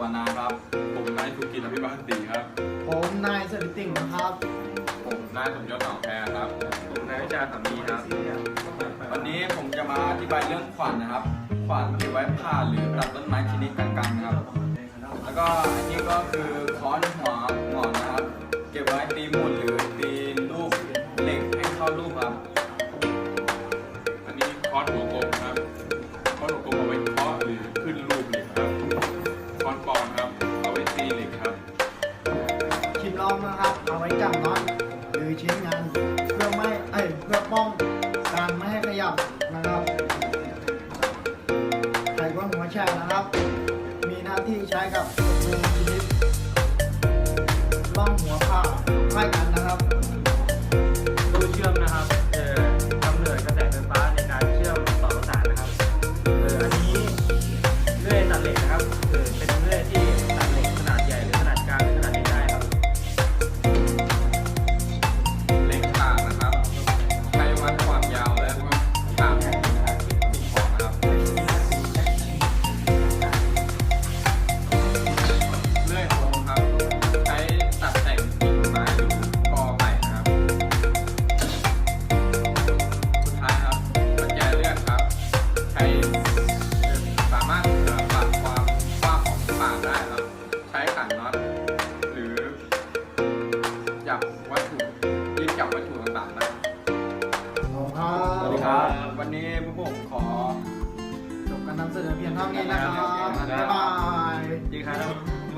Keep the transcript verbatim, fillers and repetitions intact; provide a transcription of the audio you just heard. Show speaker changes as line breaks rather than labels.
นาครับผมนายธุกิจอภิบาลศรีครับ
ผมนายสริติ่งนะครับ
ผมนายสมยศหนองแพครับผมนายวิชาสามีครับวันนี้ผมจะมาอธิบายเรื่องขวานนะครับขวานเก็บไว้ผ่าหรือตัดต้นไม้ชนิดกลางๆนะครับแล้วก็อันนี้ก็คือค้อนหัวงอนนะครับเก็บไว้ตีหมุนหรือตีลูกเหล็กให้เข้ารูปครับ
อันนี้ค้อนหัวกลมครับค้อนหัวกลมเอาไว้เคาะหรือขึ้นรูปเหล็กครับค้อนปอนครับเอาไว้ตีเหล็กครับ
คลิปลองนะครับเอาไว้จับน็อตหรือชิ้นงานเพื่อไม่เอ้ยเพื่อป้องการไม่ให้ขยับนะครับไขควงหัวแช่นะครับมีหน้าที่ใช้กับมือชนิดล่องหัวผ้าคล้ายกัน